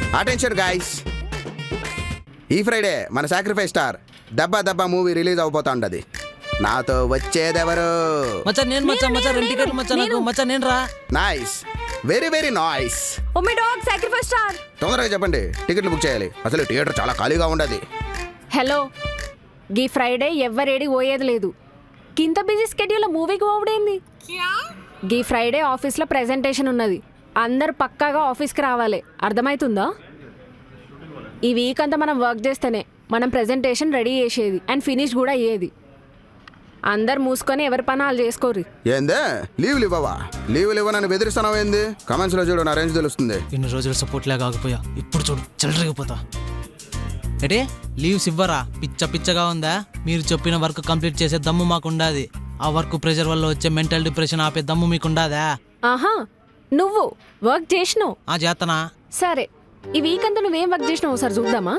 Attention guys, ఈ Friday మన sacrifice star Dabba Dabba movie release అవబోతా ఉండదు. నాతో వచ్చేదెవరు? మచ్చా నేను మచ్చా మచ్చా 2 టికెట్లు మచ్చా నాకు మచ్చా నేను రా. Nice, very very nice. Oh my dog sacrifice star. తొందరగా చెప్పండి, టికెట్లు బుక్ చేయాలి. అసలు థియేటర్ చాలా ఖాళీగా ఉండదు. హలో, గీ ఫ్రైడే ఎవ్వరేడి పోయేది లేదు. కింత బిజీ స్కెడ్యూల్ మూవీకి పోవడేంది? గీ ఫ్రైడే ఆఫీస్లో ప్రెజెంటేషన్ ఉన్నది. అందరు పక్కాగా ఆఫీస్కి రావాలి, అర్థమవుతుందా? ఈ వీక్ అంతా మనం వర్క్ చేస్తేనే మనం ప్రెజెంటేషన్ రెడీ చేసేది అండ్ ఫినిష్ కూడా అయ్యేది. అందరు మూసుకొని ఎవరి పని వాళ్ళు చేసుకోరు. ఏందే లీవ్లు ఇవ్వవా? లీవ్లు ఇవ్వనని బెదిరిస్తున్నావు ఏంది? కమెంట్స్ లో చూడు, నా రేంజ్ తెలుస్తుంది. ఇన్ని రోజులు సపోర్ట్ లేక ఆగిపోయా, ఇప్పుడు చూడు చెలరేగిపోతా. అంటే లీవ్స్ ఇవ్వరా? పిచ్చ పిచ్చగా ఉందా? మీరు చెప్పిన వర్క్ కంప్లీట్ చేసే దమ్ము మాకుండాది. ఆ వర్క్ ప్రెషర్ వల్ల వచ్చే మెంటల్ డిప్రెషన్ ఆపే దమ్ము మీకుండాదా? ఆహా, నువ్వు వర్క్ చేసినావు. ఆ చేతనా? సరే, ఈ వీక్ అంతా నువ్వేం వర్క్ చేసినావు ఒకసారి చూద్దామా?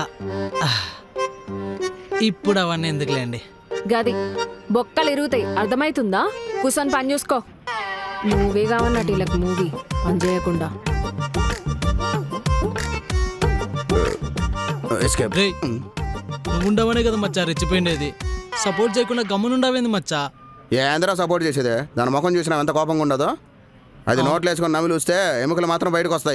ఇప్పుడు అవన్నీ ఎందుకులేండి. గది బొక్కలు ఇరుగుతాయి, అర్థమవుతుందా? కూర్చొని పని చూసుకో. మూవీ కావన్నట్టు వీళ్ళకి మూవీ పని చేయకుండా. రేయ్, నువ్వు ఉండవనే కదా మచ్చా రెచ్చిపోయిండేది. సపోర్ట్ చేయకుండా గమ్మునుండవేంది మచ్చా? ఏంద్రా సపోర్ట్ చేసేదే? దాని ముఖం చూసినా ఎంత కోపంగా ఉండదో. అది నోట్లు వేసుకొని నమిలి వస్తే ఎముకలు మాత్రం బయటకు వస్తాయి.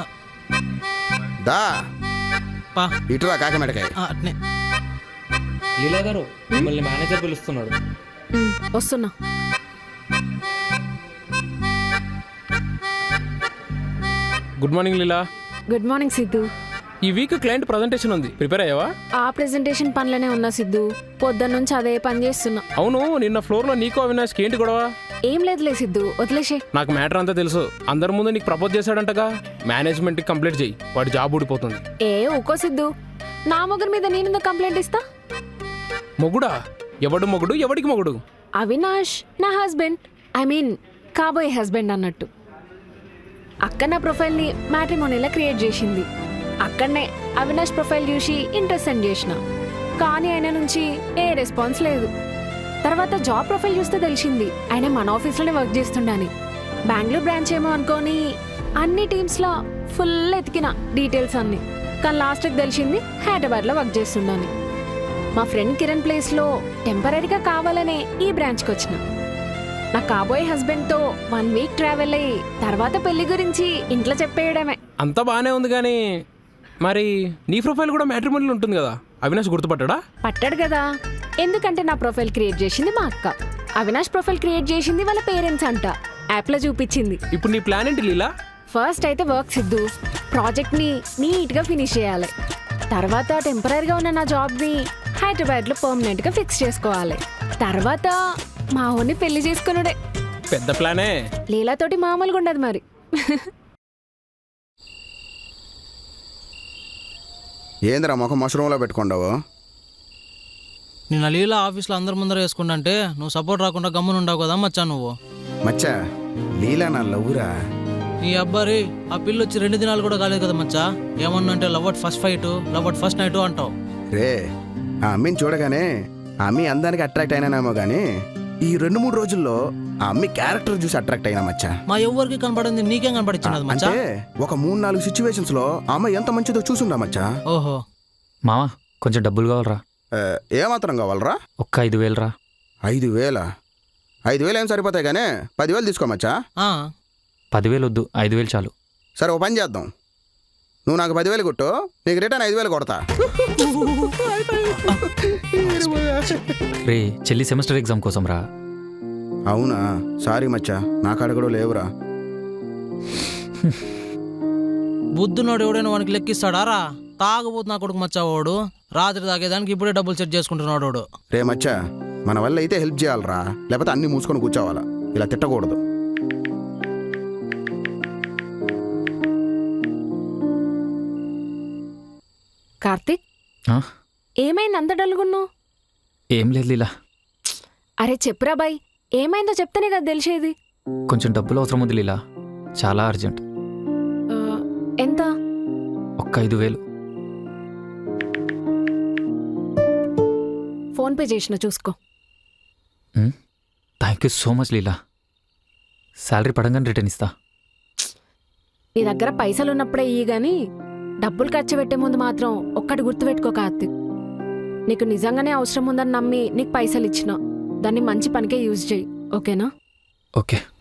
దా పా ఇటురా కాకిమెడకాయ. అట్నే. లీలా గారు మిమ్మల్ని మేనేజర్ పిలుస్తున్నాడు. వస్తున్నా. Good morning Leela. Good morning Siddhu. ఈ వీక్ క్లయింట్ ప్రజెంటేషన్ ఉంది, ప్రిపేర్ అయ్యావా? ఆ ప్రెజెంటేషన్ పనిలోనే ఉన్నా సిద్ధు. పొద్దున్న నుంచి అదే పని చేస్తున్నా. అవును, నిన్న ఫ్లోర్ లో నీకు అవినాష్కి ఏంటి గొడవ? ఏం లేదులే సిద్ధు, వదిలేసే. నాకు మ్యాటర్ అంతా తెలుసు. అందరి ముందు నీకు ప్రపోజ్ చేశాడంటగా. మేనేజ్మెంట్ కి కంప్లీట్ చేయి, వాడి జాబ్ ఊడిపోతుంది. ఊకో సిద్ధు, నా మొగుడు మీద నేను కంప్లైంట్ ఇస్తా? మొగుడా? ఎవడు మొగుడు? ఎవడికి మొగుడు? అవినాష్ నా హస్బెండ్, ఐ మీన్ కాబోయే హస్బెండ్ అన్నట్టు. అక్క నా ప్రొఫైల్ని మ్యాట్రిమోనీలో క్రియేట్ చేసింది. అక్కడనే అవినాష్ ప్రొఫైల్ చూసి ఇంట్రెస్ట్ సెండ్ చేసిన, కానీ ఆయన నుంచి ఏ రెస్పాన్స్ లేదు. తర్వాత జాబ్ ప్రొఫైల్ చూస్తే తెలిసింది ఆయన మన ఆఫీస్లోనే వర్క్ చేస్తుండని. బెంగళూరు బ్రాంచ్ ఏమో అనుకొని అన్ని టీమ్స్లో ఫుల్ ఎతికిన డీటెయిల్స్ అన్ని, కానీ లాస్ట్కి తెలిసింది హైదరాబాద్లో వర్క్ చేస్తుండని. మా ఫ్రెండ్ కిరణ్ ప్లేస్లో టెంపరీగా కావాలనే ఈ బ్రాంచ్కి వచ్చిన. నా కాబోయే హస్బెండ్తో 1 వీక్ ట్రావెల్ అయ్యి తర్వాత పెళ్లి గురించి ఇంట్లో చెప్పేయడమే. అంతా బానే ఉంది, కానీ మరి నీ ప్రొఫైల్ కూడా మ్యాట్రిమోనీలో ఉంటుంది కదా, అవినాష్ గుర్తుపట్టాడా? పట్టాడు కదా, ఎందుకంటే నా ప్రొఫైల్ క్రియేట్ చేసింది మా అక్క, అవినాష్ ప్రొఫైల్ క్రియేట్ చేసింది వాళ్ళ పేరెంట్స్ అంట. యాప్లో చూపించింది. ఇప్పుడు నీ ప్లాన్ ఏంటి లీలా? ఫస్ట్ అయితే వర్క్ సిద్ధు, ప్రాజెక్ట్ని నీట్గా ఫినిష్ చేయాలి. తర్వాత టెంపరీగా ఉన్న నా జాబ్ని హైదరాబాద్లో పర్మనెంట్గా ఫిక్స్ చేసుకోవాలి. తర్వాత మా ఊరిని పెళ్లి చేసుకున్నాడే. పెద్ద ప్లానే. లీలాతోటి మామూలుగా ఉండదు మరి. ఏందిరా ముఖం మష్రూమ్లో పెట్టుకుండావు? నిన్న లీలా ఆఫీస్లో అందరి ముందర వేసుకుంటే నువ్వు సపోర్ట్ రాకుండా గమ్మునుండావు కదా మచ్చా నువ్వు. మచ్చా, లీలా నా లవ్వురా. నీ అబ్బారి ఆ పిల్ల వచ్చి 2 దినాలు కూడా కాలేదు కదా మచ్చా. ఏమన్నంటే love at first fight, love at first night అంటావు. రే, ఆ అమ్మిని చూడగానే ఆ అమ్మి అందానికి అట్రాక్ట్ అయినానేమో కానీ ఈ 2-3 రోజుల్లో ఆ అమ్మి క్యారెక్టర్ చూసి అట్రాక్ట్ అయినా మచ్చా. మా ఎవరికి కనపడింది నీకేం కనపడిచ్చినది మచ్చా? అంటే ఒక 3-4 సిచ్యువేషన్స్ లో ఆ అమ్మాయి ఎంత మంచిదో చూసుండా మచ్చా. ఓహో మావా, కొంచెం డబ్బులు కావాలరా. ఏమాత్రం కావాలరా? ఒక్క 5,000 రా. 5,000? 5,000 ఏం సరిపోతాయి కానీ 10,000 తీసుకోమచ్చా. 10,000 వద్దు, 5,000 చాలు. సరే, ఓ పని చేద్దాం. నువ్వు నాకు 10,000 కొట్టు, నీకు రిటర్న్ 5,000 కొడతా. రే, చెల్లి సెమిస్టర్ ఎగ్జామ్ కోసం రా. అవునా? సారీ మచ్చా, నా కాడ కూడా లేవురా. బుద్ధునోడు ఎవడైనా వానికి లెక్కిస్తాడా రా? తాగబోతు నా కొడుకు మచ్చా వాడు. రాత్రి తాగేదానికి ఇప్పుడే డబ్బులు సెట్ చేసుకుంటున్నాడు వాడు. రే మచ్చా, మన వల్ల అయితే హెల్ప్ చేయాలరా, లేకపోతే అన్ని మూసుకొని కూర్చోవాలా. ఇలా తిట్టకూడదు. కార్తిక్, ఏమైంది అంత డల్గున్నావు? ఏం లేదు లీలా. అరే చెప్పురా బాయ్, ఏమైందో చెప్తేనే కదా తెలిసేది. కొంచెం డబ్బులు అవసరం ఉంది లీలా, చాలా అర్జెంట్. ఎంత? ఒక్క 5,000. ఫోన్పే చేసిన చూసుకో. Thank you so much Leela. Salary పడంగానే రిటర్న్ ఇస్తా. నీ దగ్గర పైసలు ఉన్నప్పుడే ఇయ్యి గాని డబ్బులు ఖర్చు పెట్టే ముందు మాత్రం ఒక్కటి గుర్తుపెట్టుకో కార్తిక్. నీకు నిజంగానే అవసరం ఉందని నమ్మి నీకు పైసలు ఇచ్చిన దాన్ని మంచి పనికే యూజ్ చేయి, ఓకేనా? ఓకే